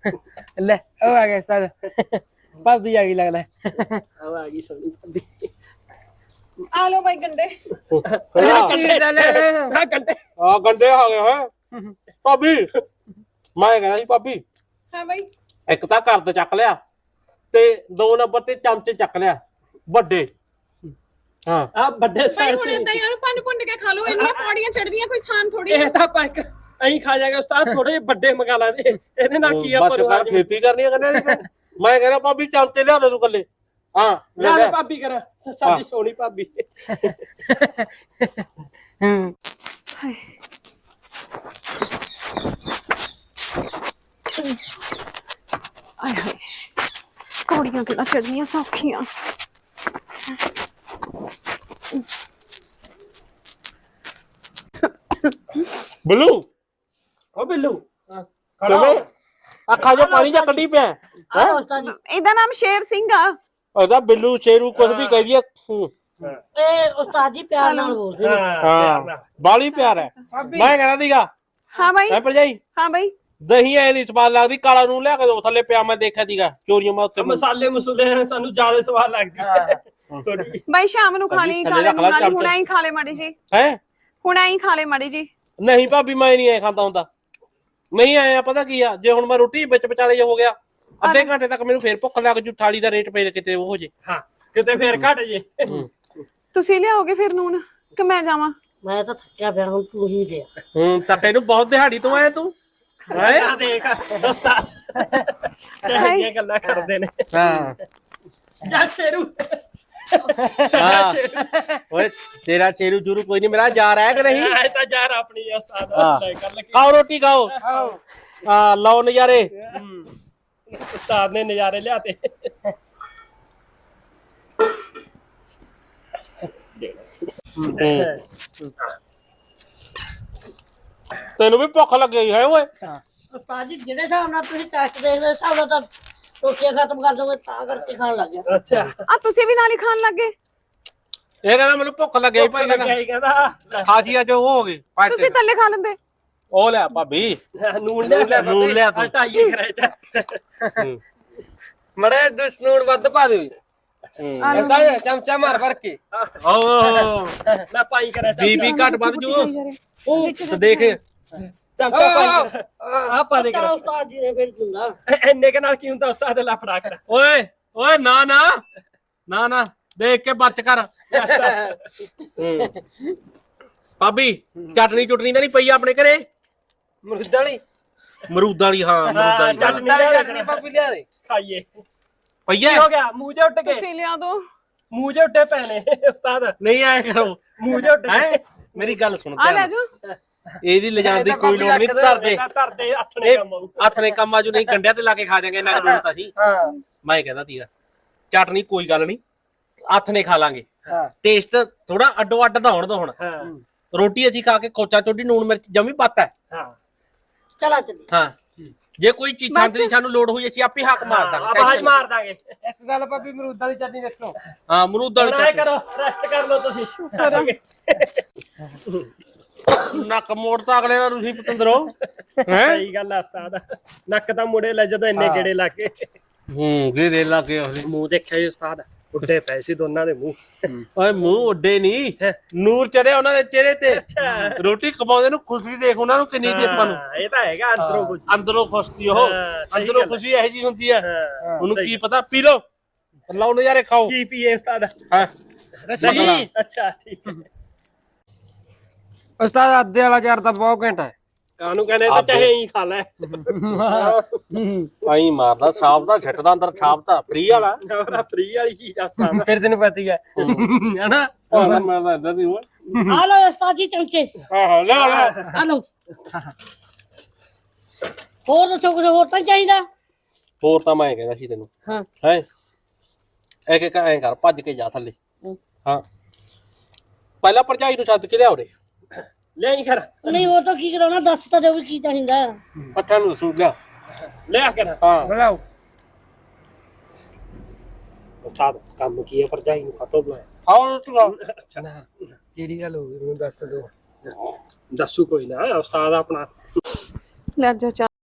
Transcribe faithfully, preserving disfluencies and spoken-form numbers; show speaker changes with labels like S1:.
S1: ले ओ आ गया उस्ताद भाभी आ गई लगता है
S2: अब आ गई सोनी भाभी
S3: आ लो भाई गंडे
S2: हाँ गंडे
S4: ਆ ਗੰਡੇ ਆ ਗਏ ਹੈ ਭਾਬੀ ਮੈਂ ਕਹਿੰਦਾ ਸੀ ਭਾਬੀ
S3: हाँ भाई
S4: ਇੱਕ ਤਾਂ ਘਰ ਤੇ ਚੱਕ ਲਿਆ ਤੇ ਦੋ ਨੰਬਰ ਤੇ ਚਮਚੇ ਚੱਕ ਲਿਆ ਵੱਡੇ ਹਾਂ
S2: आ बड़े
S3: भाई
S2: साइज
S3: हुणे
S2: से
S3: तां यार पंड पुंड के खा लो इन्नियां पौड़ियां चढ़दियां कोई सान थोड़ी
S2: ਇਹ ਤਾਂ ਪੈਕ ਐਂ ਖਾ ਜਾਏਗਾ ਉਸਤਾਦ ਥੋੜੇ ਜਿਹੇ ਵੱਡੇ ਮੰਗਾ ਲਾਂਦੇ ਇਹਦੇ ਨਾਲ ਕੀ ਆਪਾਂ
S4: ਬੱਚ
S2: ਨੂੰ
S4: ਕਰ ਖੇਤੀ ਕਰਨੀ ਹੈ ਕਹਿੰਦੇ ਮੈਂ ਕਹਿੰਦਾ ਭਾਬੀ ਚਮਚੇ ਲਿਆ ਦੇ ਤੂੰ ਕੱਲੇ ਹਾਂ ਲੈ
S2: ਲੈ
S4: ਲੈ
S2: ਭਾਬੀ ਕਰਾ ਸਾਡੀ ਸੋਹਣੀ ਭਾਬੀ
S3: आय हाय पौड़ियां किहड़ा चढ़नियां सौखियां
S4: ਬਲੂ
S2: ਉਹ ਬਿੱਲੂ
S4: ਕਿਵੇਂ ਅੱਖਾਂ 'ਚੋਂ ਪਾਣੀ ਜਾਂ ਕੱਢੀ ਪਿਆ ਹੈ
S3: ਇਹਦਾ ਨਾਮ ਸ਼ੇਰ ਸਿੰਘ ਆ
S4: ਉਹਦਾ ਬਿੱਲੂ ਸ਼ੇਰੂ ਕੁਝ ਵੀ ਕਹਿ ਦਈਏ
S5: ਇਹ ਉਸਤਾਦ ਜੀ ਪਿਆਰ ਨਾਲ ਬੋਲਦੇ ਨੇ
S4: ਹਾਂ ਬਾਲੀ ਪਿਆਰ ਹੈ ਮੈਂ ਕਹਿੰਦਾ ਸੀਗਾ
S3: ਹਾਂ ਬਾਈ
S4: ਹੈ ਭਰਜਾਈ
S3: ਹਾਂ ਬਾਈ
S4: ਦਹੀਂ ਐ ਨਹੀਂ ਸਵਾਦ ਲੱਗਦੀ ਕਾਲਾ ਨੂੰ ਲਿਆ ਕੇ ਦੋ ਥੱਲੇ ਪਿਆ ਮੈਂ ਦੇਖਿਆ ਸੀਗਾ ਚੋਰੀਆਂ ਮੈਂ ਉੱਤੇ
S2: ਮਸਾਲੇ ਮਸੂਲੇ ਸਾਨੂੰ ਜ਼ਿਆਦਾ ਸਵਾਦ ਲੱਗਦੀ ਥੋੜੀ
S3: ਬਾਈ ਸ਼ਾਮ ਨੂੰ ਖਾ ਲਈ ਖਾ ਲਈ ਖਾ ਲਈ ਹੁਣ ਐਂ ਖਾ ਲੈ ਮਾੜੀ ਜੀ
S4: ਹੈ
S3: ਹੁਣ ਐਂ ਖਾ ਲੈ ਮਾੜੀ ਜੀ
S4: ਨਹੀਂ ਭਾਬੀ ਮੈਂ ਨਹੀਂ ਐ ਖਾਂਦਾ ਹੁੰਦਾ ਨਹੀਂ ਆਇਆ ਪਤਾ ਕੀ ਆ ਜੇ ਹੁਣ ਮੈਂ ਰੋਟੀ ਵਿੱਚ ਵਿਚਾਲੇ ਜੇ ਹੋ ਗਿਆ ਅੱਧੇ ਘੰਟੇ ਤੱਕ ਮੈਨੂੰ ਫੇਰ ਭੁੱਖ ਲੱਗ ਜੂ ਥਾਲੀ ਦਾ ਰੇਟ ਪਏ ਕਿਤੇ ਉਹ ਹੋ ਜੇ
S2: ਹਾਂ ਕਿਤੇ ਫੇਰ ਘਟ ਜੇ
S3: ਤੁਸੀਂ ਲਿਆਓਗੇ ਫਿਰ ਨੂਨ ਕਿ ਮੈਂ ਜਾਵਾਂ
S5: ਮੈਂ ਤਾਂ ਥੱਕਿਆ ਪਿਆ ਹੁਣ ਤੂੰ ਹੀ ਦੇ
S4: ਹੂੰ ਤਾਂ ਤੈਨੂੰ ਬਹੁਤ ਦਿਹਾੜੀ ਤੋਂ ਆਇਆ ਤੂੰ ਹੈ
S2: ਆ ਦੇਖ ਉਸਤਾਦ ਕਿਹੜੀਆਂ ਗੱਲਾਂ ਕਰਦੇ ਨੇ
S4: ਹਾਂ
S2: ਜਾ ਸ਼ੇਰੂ ਸਾਡਾ ਸ਼ੇਰੂ
S4: ਓਏ ਤੇਰਾ ਚੇਰੂ ਚੂਰੂ ਕੋਈ ਨਹੀਂ ਮੇਰਾ ਯਾਰ ਹੈ ਕਿ ਨਹੀਂ
S2: ਇਹ ਤਾਂ ਯਾਰ ਆਪਣੀ ਆ ਉਸਤਾਦ
S4: ਹਾਂ।
S2: ਗੱਲ ਕੀ
S4: ਖਾਓ ਰੋਟੀ ਖਾਓ ਹਾਂ ਲਓ ਨਜ਼ਾਰੇ
S2: ਉਸਤਾਦ ਨੇ ਨਜ਼ਾਰੇ ਲਿਆਤੇ
S4: ਤੈਨੂੰ ਵੀ ਭੁੱਖ ਲੱਗੀ ਹੈ ਓਏ
S5: ਉਸਤਾਦ ਜੀ ਜਿਹੜੇ ਹਿਸਾਬ ਨਾਲ ਤੁਸੀਂ ਟੈਸਟ ਦੇਖਦੇ ਹਿਸਾਬ ਨਾਲ ਤਾਂ ਰੋਟੀਆਂ ਖਤਮ ਕਰ ਦੋਗੇ ਤਾਂ ਕਰਕੇ ਖਾਣ ਲੱਗ ਗਿਆ
S2: ਅੱਛਾ
S3: ਆ ਤੁਸੀਂ ਵੀ ਨਾਲ ਹੀ ਖਾਣ ਲੱਗੇ
S4: ਇਹ ਕਹਿੰਦਾ ਮੈਨੂੰ ਭੁੱਖ ਲੱਗੀ ਭਾਈ ਕਹਿੰਦਾ
S2: ਕੀ ਕਹਿੰਦਾ
S4: ਖਾਜੀ ਅੱਜ ਉਹ ਹੋ ਗਈ
S3: ਤੁਸੀਂ ਥੱਲੇ ਖਾ ਲੈਂਦੇ
S4: ਉਹ ਲੈ ਭਾਬੀ
S2: ਨੂਨ ਲਿਆ
S4: ਨੂਨ ਲਿਆ ਤੂੰ।
S2: ਹਟਾਈਏ ਕਰੇ ਚ
S1: मरे दुस नून वध पा दे उस्ताद चमचा मार भर के
S4: ਓ
S2: ਲੈ ਪਾਈ ਕਰੇ ਚ
S4: ਬੀਬੀ ਘਟ ਵੱਧ ਜੂ ਉਹ ਤੇ ਦੇਖ
S2: ਚਮਚਾ ਪਾਈ ਆ ਪਾ ਦੇ
S5: ਚਲੋ
S2: ਕਰ
S5: ਉਸਤਾਦ ਜੀ ਨੇ ਫਿਰ ਦਿੰਦਾ
S2: ਇੰਨੇ ਕੇ ਨਾਲ ਕੀ ਹੁੰਦਾ ਉਸਤਾਦ ਲਾ ਫੜਾ ਕਰ
S4: ਓਏ ਓਏ ਨਾ ਨਾ ਨਾ ਨਾ ਦੇਖ ਕੇ ਬਚ ਕਰ ਹੂੰ। ਭਾਬੀ ਚਟਨੀ ਚੁਟਨੀ ਤਾਂ ਨਹੀਂ ਪਈ ਆਪਣੇ ਘਰੇ
S1: मरुद वाली
S4: ਮਰੂਦਾਂ ਵਾਲੀ ਹਾਂ ਮਰੂਦਾਂ ਵਾਲੀ
S2: ਚਟਨੀ
S1: मरुद वाली
S2: ਲਿਆ
S1: चटनी भाभी लिया दे
S2: ਖਾਈਏ
S4: ਪਈ
S2: ਕੀ
S4: ਹੈ
S2: ਹੋ ਗਿਆ ਮੂੰਹ ਜੇ ਉੱਟ ਗਏ
S3: ਤੁਸੀਂ ਲਿਆ ਦੋ
S2: ਮੂੰਹ ਜੇ ਉੱਟੇ ਪੈਣੇ ਉਸਤਾਦ
S4: ਨਹੀਂ ਆਇਆ ਕਰੋ
S2: ਮੂੰਹ ਜੇ ਉੱਟ
S4: ਹੈ
S2: ਗਏ
S4: ਮੇਰੀ ਗੱਲ ਸੁਣ
S3: ਆ ਲੈ
S4: ਧਿਆਨ
S3: ਜਾਓ
S4: ਇਹਦੀ ਲਿਜਾਣ ਦੀ ਕੋਈ ਲੋੜ ਨਹੀਂ ਧਰਦੇ
S2: ਧਰਦੇ ਹੱਥ ਨੇ
S4: ਇਹ
S2: ਕੰਮ ਆਊ
S4: ਹੱਥ ਨੇ ਕੰਮਾਂ ਚੋਂ ਨਹੀਂ ਕੰਡਿਆਂ ਤੇ ਲਾ ਕੇ ਖਾ ਜਾਗੇ ਇਹਨਾਂ ਨੂੰ ਤਾਂ ਸੀ
S1: हाँ
S4: ਮੈਂ ਕਹਿੰਦਾ ਸੀਗਾ ਚਟਨੀ ਕੋਈ ਗੱਲ ਨਹੀਂ ਹੱਥ ਨੇ ਖਾ ਲਾਂਗੇ
S1: हाँ
S4: ਟੇਸਟ ਥੋੜਾ ਅੱਡੋ ਅੱਡ ਦਾ ਹੋਣ ਦੋ ਹੁਣ
S2: ਹਾਂ
S4: ਰੋਟੀ ਅਸੀਂ ਖਾ ਕੇ ਕੋਚਾ ਚੋਡੀ ਨੂਣ ਮਿਰਚ ਜਮੀ ਪੱਤ ਹੈ
S2: ਹਾਂ
S5: ਚਲਾ ਚੱਲੀ
S4: ਹਾਂ ਜੇ ਕੋਈ ਚੀਜ਼ਾਂ ਦੀ ਸਾਨੂੰ ਲੋੜ ਹੋਈ ਅਸੀਂ ਆਪੇ ਹੱਕ ਮਾਰ ਦਾਂਗੇ
S2: ਆਵਾਜ਼ ਮਾਰ ਦਾਂਗੇ
S1: एक गल भाभी मरुद वाली चटनी देखो
S4: ਹਾਂ ਮਰੂਦ ਵਾਲੀ
S2: ਟਰਾਈ
S4: ਚਟਨੀ
S2: ਕਰੋ ਰੈਸਟ ਕਰ ਲਓ ਤੁਸੀਂ ਕਰਾਂਗੇ
S4: ਨੱਕ ਮੋੜਤਾ ਅਗਲੇ ਦਾ ਤੁਸੀਂ ਪਤੰਦਰੋ ਹੈ
S2: ਸਹੀ ਗੱਲ ਆ ਉਸਤਾਦ ਨੱਕ ਤਾਂ ਮੁੜੇ ਲੈ ਜਦੋਂ ਇੰਨੇ ਗੇੜੇ ਲਾ ਕੇ
S4: ਹੂੰ ਗੇਰੇ ਲਾ ਕੇ ਉਹਦੇ
S2: ਮੂੰਹ ਦੇਖਿਆ ਜੀ ਉਸਤਾਦ ਉੱਡੇ ਪਏ ਸੀ ਦੋਨਾਂ ਦੇ ਮੂੰਹ
S4: ਓਏ ਮੂੰਹ ਉੱਡੇ ਨਹੀਂ ਨੂਰ ਚੜਿਆ ਉਹਨਾਂ ਦੇ ਚਿਹਰੇ ਤੇ ਰੋਟੀ ਕਮਾਉਂਦੇ ਨੂੰ ਖੁਸ਼ੀ ਦੇਖ ਉਹਨਾਂ ਨੂੰ ਕਿੰਨੀ ਦੀ ਆਪਾਂ ਨੂੰ
S2: ਹਾਂ, ਇਹ ਤਾਂ ਹੈਗਾ ਅੰਦਰੋਂ ਕੁਝ
S4: ਅੰਦਰੋਂ ਖੁਸ਼ਤੀ ਉਹ
S2: ਹਾਂ, ਸਹੀ
S4: ਅੰਦਰੋਂ
S2: ਗੱਲ ਹੈ।
S4: ਖੁਸ਼ੀ ਇਹੋ ਜੀ ਹੁੰਦੀ ਹੈ
S2: ਹਾਂ,
S4: ਉਹਨੂੰ
S2: ਸਹੀ।
S4: ਕੀ ਪਤਾ ਪੀ ਲਓ ਲਾਓ ਨਜ਼ਾਰੇ ਖਾਓ
S2: ਕੀ ਪੀਏ ਉਸਤਾਦ
S4: ਹਾਂ
S2: ਨਹੀਂ ਅੱਛਾ ਠੀਕ ਹੈ
S1: उस्ताद आधे वाला चार तो बहुत घंटा है
S2: ਕਾਨੂੰ ਕਹਿੰਦੇ ਤਾਂ ਚਾਹੇ ਹੀ ਖਾ ਲੈ
S4: ਆਈ ਮਾਰਦਾ ਛਾਪ ਦਾ ਛੱਟਦਾ ਅੰਦਰ ਛਾਪ ਦਾ ਫ੍ਰੀ ਵਾਲਾ
S2: ਹੋਰ ਫ੍ਰੀ ਵਾਲੀ ਚੀਜ਼ ਆ ਉਸਤਾਦ
S1: फिर तेन पता ही है है ना
S4: ਹਾਂ ਮੈਂ ਤਾਂ ਇਦਾਂ ਦੀ ਹੋਇਆ
S5: ਆ ਲਓ ਉਸਤਾਦ ਜੀ ਚਮਚੇ
S4: ਆਹੋ ਲੈ ਲੈ
S5: ਆ ਲਓ ਹੋਰ ਦੱਸੋ ਕੁਝ ਹੋਰ ਤਾਂ ਨੀ ਚਾਹੀਦਾ
S4: ਹੋਰ ਤਾਂ ਮੈਂ ਕਹਿੰਦਾ ਸੀ ਤੈਨੂੰ
S5: ਹਾਂ
S4: ਹੈ ਇੱਕ ਇੱਕ ਐਂ ਕਰ ਭੱਜ ਕੇ ਜਾ ਥੱਲੇ ਹਾਂ ਪਹਿਲਾਂ ਭਰਜਾਈ ਨੂੰ ਛੱਡ ਕੇ ਲਿਆ ਉਰੇ
S2: ਲੈ ਹੀ ਕਰ
S5: ਨਹੀਂ ਉਹ ਤਾਂ ਕੀ ਕਰਾਉਣਾ ਦੱਸ ਤਾਂ ਦਿਓ ਵੀ ਕੀ ਚਾਹੀਦਾ
S4: ਪੱਠਾ ਨੂੰ ਸੂਟ ਲਿਆ
S2: ਲੈ ਕਰ
S4: ਹਾਂ
S1: बुलाओ
S2: ਉਸਤਾਦ ਕੰਮ ਕੀ ਹੈ ਭਰਜਾਈ ਨੂੰ ਖਾਤੋਂ ਬੁਲਾਇਆ
S4: ਆਓ ਤੂੰ
S1: ना केड़ी गल हो गई मैं दस दो
S2: ਦੱਸੂ ਕੋਈ ਨਾ ਉਸਤਾਦ ਆਪਣਾ
S3: ਲੈ ਜਾ